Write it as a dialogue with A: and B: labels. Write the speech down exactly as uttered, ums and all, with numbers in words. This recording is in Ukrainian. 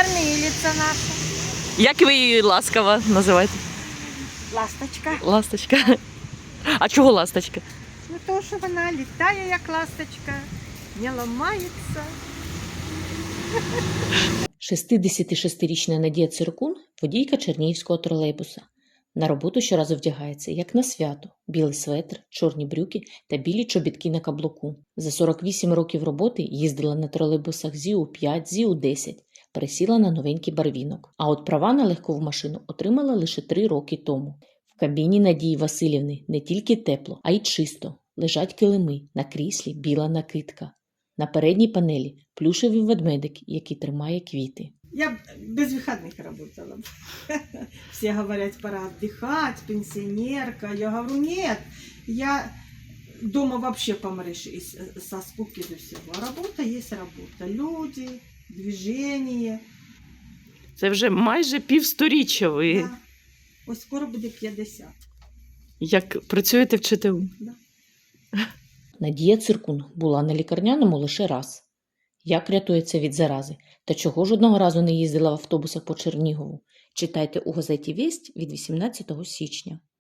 A: кормилица наша.
B: Як ви її ласкаво називаєте?
A: Ласточка.
B: Ласточка. А чого ласточка?
A: Ну то, що вона літає, як ласточка, не ламається.
C: шістдесятишестирічна Надія Циркун – водійка чернігівського тролейбуса. На роботу щоразу вдягається, як на свято – білий светр, чорні брюки та білі чобітки на каблуку. За сорок вісім років роботи їздила на тролейбусах зі у п'ять, зі у десять, пересіла на новенький барвінок. А от права на легкову машину отримала лише три роки тому. В кабіні Надії Васильівни не тільки тепло, а й чисто. Лежать килими, на кріслі біла накидка. На передній панелі плюшевий ведмедик, який тримає квіти.
A: Я без выходных работала. Все говорят, пора отдыхать, пенсионерка. Я говорю, нет, я дома вообще помрешь из- со скуки до всего. А работа есть работа. Люди, движение.
B: Це вже майже півсторіччя ви
A: Да. Ось скоро буде п'ятдесят.
B: як працюєте в ЧТУ.
C: Надія Циркун була на лікарняному лише раз. Як рятується від зарази? Та чого ж одного разу не їздила в автобусах по Чернігову? Читайте у газеті «Вість» від вісімнадцятого січня.